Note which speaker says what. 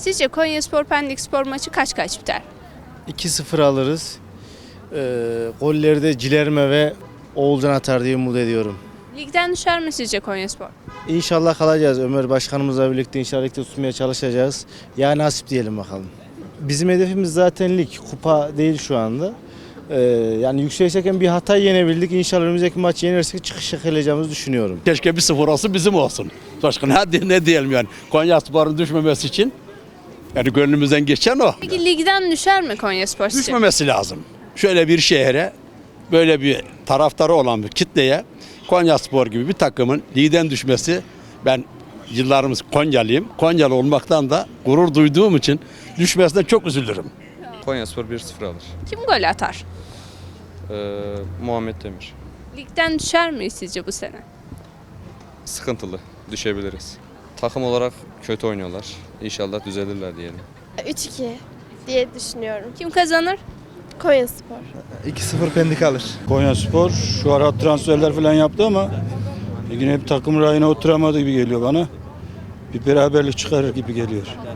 Speaker 1: Sizce Konyaspor Pendikspor maçı kaç biter?
Speaker 2: 2-0 alırız. Golleri de Cilerme ve Oğulcan atar diye umut ediyorum.
Speaker 1: Ligden düşer mi sizce Konyaspor?
Speaker 2: İnşallah kalacağız. Ömer Başkanımızla birlikte inşallah ligde tutmaya çalışacağız. Ya nasip diyelim bakalım. Bizim hedefimiz zaten lig. Kupa değil şu anda. Yani yükseğe bir Hatay yenebildik. İnşallah önümüzdeki maçı yenersek çıkış yakalayacağımızı düşünüyorum.
Speaker 3: Keşke 1-0 olsun bizim olsun. Başka ne diyelim yani. Konyaspor'un düşmemesi için yani gönlümüzden geçen o.
Speaker 1: Peki ligden düşer mi Konyaspor sizce?
Speaker 3: Düşmemesi lazım. Şöyle bir şehre, böyle bir taraftarı olan bir kitleye Konyaspor gibi bir takımın ligden düşmesi, ben yıllarımız Konyalıyım. Konyalı olmaktan da gurur duyduğum için düşmesine çok üzülürüm.
Speaker 4: Konyaspor 1-0 alır.
Speaker 1: Kim gol atar?
Speaker 4: Muhammed Demir.
Speaker 1: Ligden düşer mi sizce bu sene?
Speaker 4: Sıkıntılı. Düşebiliriz. Takım olarak kötü oynuyorlar. İnşallah düzelirler diyelim.
Speaker 5: 3-2 diye düşünüyorum.
Speaker 1: Kim kazanır?
Speaker 5: Konyaspor.
Speaker 6: 2-0 Pendik alır.
Speaker 7: Konyaspor şu ara transferler falan yaptı ama yine bir takım rayına oturamadı gibi geliyor bana. Bir beraberlik çıkarır gibi geliyor.